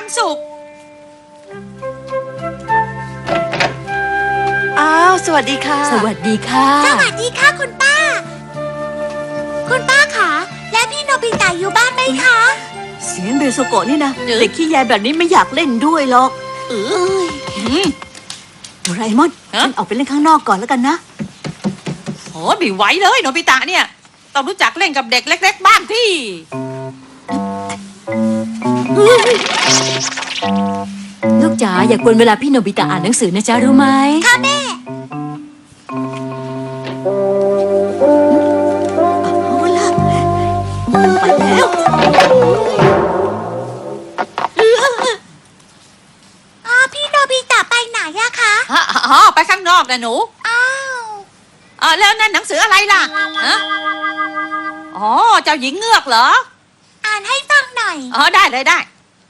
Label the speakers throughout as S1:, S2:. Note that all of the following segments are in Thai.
S1: สุข
S2: อ้าวสวัสดีค่ะ
S3: สวัสดีค่ะ
S4: สวัสดีค่ะคุณป้าคะและพี่โนบิตะอยู่บ้านไหมคะ
S2: เสียงเบโซโกะนี่นะเด็กขี้แยแบบนี้ไม่อยากเล่นด้วยหรอกโดราเอมอนฉันออกไปเล่นข้างนอกก่อนแล้วกันนะ
S1: โอ้ไม่ไหวเลยโนบิตะเนี่ยต้องรู้จักเล่นกับเด็กเล็กๆบ้างที่
S3: ลูกจ๋าอย่ากวนเวลาพี่โนบิตะอ่านหนังสือนะจ๊ะรู้ไหม
S4: ค่ะแม่
S2: เอาละไปแล้ว
S4: พี่โนบิตะไปไหนอะคะ
S1: ไปข้างนอกนะหนูแล้วนั่นหนังสืออะไรล่ะเจ้าหญิงเงือกเหรอ
S4: อ่านให้ฟังหน่อย
S1: ได้เลยได้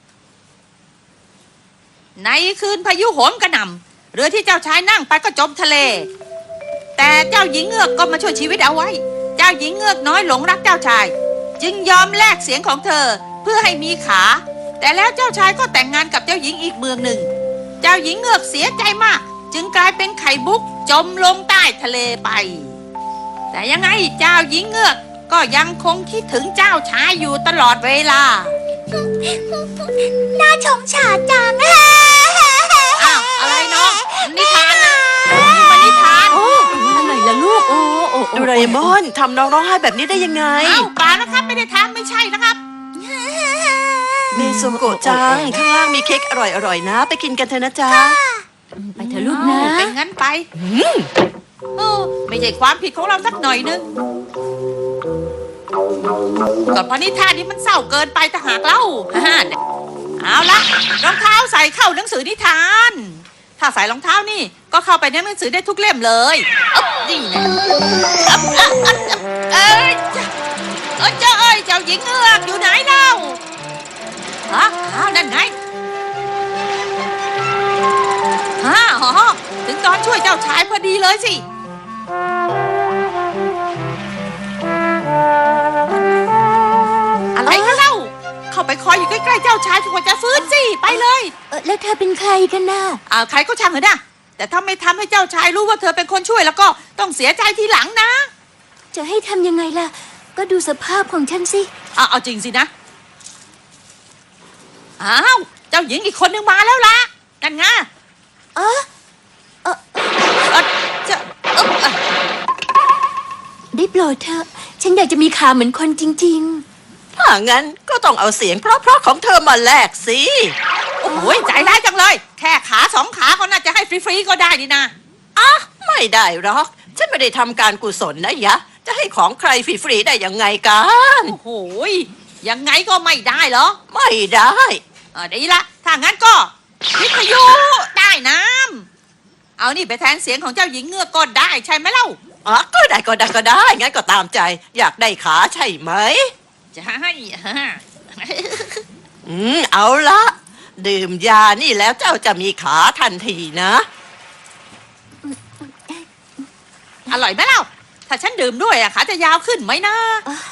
S1: ในคืนพายุโหมกระหน่ำเรือที่เจ้าชายนั่งไปก็จมทะเลแต่เจ้าหญิงเงือกก็มาช่วยชีวิตเอาไว้เจ้าหญิงเงือกน้อยหลงรักเจ้าชายจึงยอมแลกเสียงของเธอเพื่อให้มีขาแต่แล้วเจ้าชายก็แต่งงานกับเจ้าหญิงอีกเมืองหนึ่งเจ้าหญิงเงือกเสียใจมากจึงกลายเป็นไข่มุกจมลงใต้ทะเลไปแต่ยังไงเจ้าหญิงเงือกก็ยังคงคิดถึงเจ้าชายอยู่ตลอดเวลา
S4: น่าชมฉาดจัง
S1: อะไรน้องนิทานนะนี่มันนิทาน
S3: อะไรล่ะลูก
S2: โดราเอมอนทำน้องร้องไห้แบบนี้ได้ยังไง
S1: ป่านะครับไม่ได้ทำไม่ใช่นะครับ
S2: เบโซโกะจังข้างล่างมีเค้กอร่อยๆนะไปกินกันเถอะนะจ๊ะ
S3: ไปเถอะลูกนะ
S1: เป็นงั้นไปไม่ใช่ความผิดของเราสักหน่อยนึงก็เพราะนิทานนี้มันเศร้าเกินไปแต่หากเล่าเอาละรองเท้าใส่เข้าหนังสือนิทานถ้าใส่รองเท้านี่ก็เข้าไปในหนังสือได้ทุกเล่มเลยนี่นะเจ้าหญิงเงือกอยู่ไหนเล่านั่นไงถึงตอนช่วยเจ้าชายพอดีเลยสิอะไรกันเล่าเข้าไปคอยอยู่ใกล้ๆเจ้าชายจนกว่าจะฟื้นสิไปเลย
S3: แล้วเธอเป็นใครกันน่ะ
S1: ใครก็ช่างเถอะนะแต่ถ้าไม่ทำให้เจ้าชายรู้ว่าเธอเป็นคนช่วยแล้วก็ต้องเสียใจทีหลังนะ
S3: จะให้ทำยังไงล่ะก็ดูสภาพของฉันสิ
S1: เอาจริงสินะเจ้าหญิงอีกคนนึงมาแล้วล่ะนั่นไง
S3: ได้โปรดเถอะฉันอยากจะมีขาเหมือนคนจริง
S2: ๆถ้างั้นก็ต้องเอาเสียงเพราะๆของเธอมาแลกสิ
S1: โอ้ยใจร้ายจังเลยแค่ขา2 ขาก็น่าจะให้ฟรีๆก็ได้นี่นะ
S2: ไม่ได้หรอกฉันไม่ได้ทำการกุศลนะยะจะให้ของใครฟรีๆได้ยังไงกัน
S1: โอ้โหยังไงก็ไม่ได้เหรอ
S2: ไม่ได้
S1: ดีละถ้างั้นก็วิทยุใต้น้ำเอานี่ไปแทนเสียงของเจ้าหญิงเงือกก็ได้ใช่ไหมเล่า
S2: ก็ได้งั้นก็ตามใจอยากได้ขาใช่ไหม
S1: จะให้
S2: เอาละดื่มยานี่แล้วเจ้าจะมีขาทันทีนะ
S1: อร่อยไหมเล่าถ้าฉันดื่มด้วยขาจะยาวขึ้นไหมนะ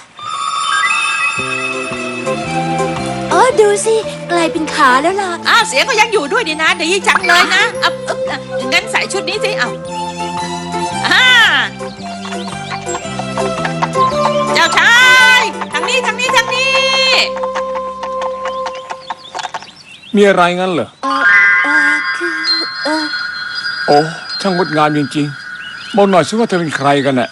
S3: ดูสิกลายเป็นขาแล้วล่ะ
S1: เสียงก็ยังอยู่ด้วยดีนะดีจังเลยนะงั้นใส่ชุดนี้สิเจ้าชายทางนี้
S5: มีอะไรงั้นเหรอโอ้ช่างงดงามจริงๆบอกหน่อยสิว่าเธอเป็นใครกันน่ะ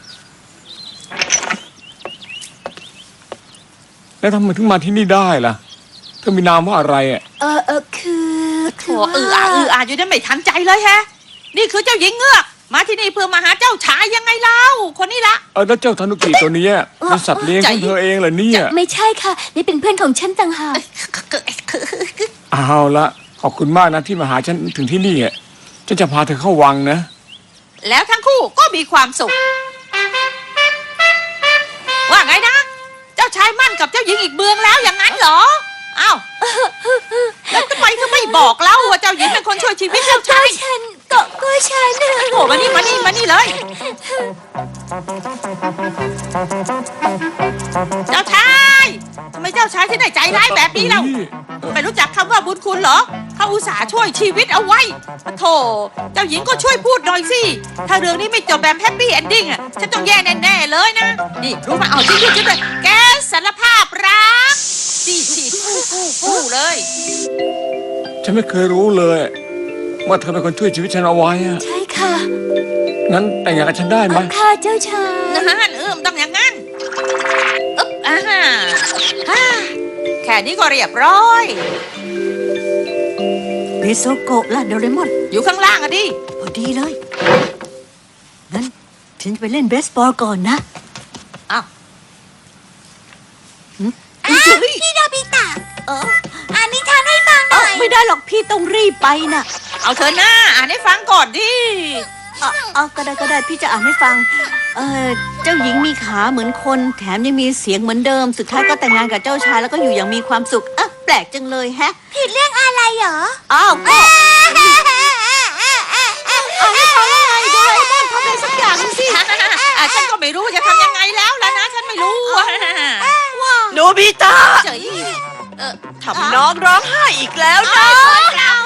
S5: แล้วทำไมถึงมาที่นี่ได้ล่ะเธอมีนามว่าอะไร
S1: คืออยู่นั่นไม่ทันใจเลยแฮะนี่คือเจ้าหญิงเงือกมาที่นี่เพื่อมาหาเจ้าชายยังไงเล่าคนนี้ละ
S5: แล้วเจ้าธนุกิตัวนี้เป็นสัตว์เลี้ยงของเธอเองเหรอเนี่ย
S3: ไม่ใช่ค่ะนี่เป็นเพื่อนของฉันต่างหาก
S5: เอาละขอบคุณมากนะที่มาหาฉันถึงที่นี่ฉันจะพาเธอเข้าวังนะ
S1: แล้วทั้งคู่ก็มีความสุขว่าไงนะเจ้าชายมั่นกับเจ้าหญิงอีกเมืองแล้วอย่างนั้นเหรอแล้วทำไมเธอไม่บอกเล่าว่าเจ้าหญิงเป็นคนช่วยชีวิตเจ้าชาย
S3: ฉัน
S1: โอ้มานี่เลยเจ้าชายทำไมเจ้าจ้าชายที่ไหนใจร้ายแบบนี้เล่าไม่รู้จักคำว่าบุญคุณเหรอเขาอุตส่าห์ช่วยชีวิตเอาไว้ปะโถเจ้าหญิงก็ช่วยพูดหน่อยสิถ้าเรื่องนี้ไม่จบแบบแฮปปี้เอนดิ้งอ่ะฉันต้องแย่แน่ๆเลยนะนี่รู้มาเอาจริงๆเลยแกสารภาพรักฉีดฟู่เลย
S5: ฉันไม่เคยรู้เลยว่าเธอเป็นคนช่วยชีวิตฉันเอาไว้อะ
S3: ใช่ค่ะ
S5: งั้นแต่งงานกับฉันได้ไหม
S3: ค่ะเจ้าชาย
S1: นั่นต้องอย่างนั้นอึ๊บฮ่าแค่นี้ก็เรียบร้อย
S3: เบโซโกะล่ะโดเรมอน
S1: อยู่ข้างล่างอะดิ
S3: พอดีเลย งั้นฉันจะไปเล่นเบสบอลก่อนนะ
S1: อ้าว
S4: พี่โนบิตะอ่านนิทานให้ฟังห
S3: เอ้า
S4: น่อย
S3: ไม่ได้หรอกพี่ต้องรีบไปน่ะ
S1: เอาเธอหน้าอ่านให้ฟังก่อนดิ
S3: เอาก็ได้พี่จะอ่านให้ฟัง เจ้าหญิงมีขาเหมือนคน แถมยังมีเสียงเหมือนเดิม สุดท้ายก็แต่งงานกับเจ้าชายแล้วก็อยู่อย่างมีความสุขอ่ะแปลกจังเลยแฮะ
S4: ผิดเรื่องอะไรเหรอ
S3: อ้าวก็อ่านให้ฟังว่าไงโดเรมอนทำอะไรสักอย่างหนึ่งสิ
S1: ฉันก็ไม่รู้จะทำยังไงแล้วล่ะนะ ฉันไม่รู้อะ
S2: โนบิตะ
S1: เจ๋ย
S2: ทำน้องร้องไห้อีกแล้วนะ
S1: เรา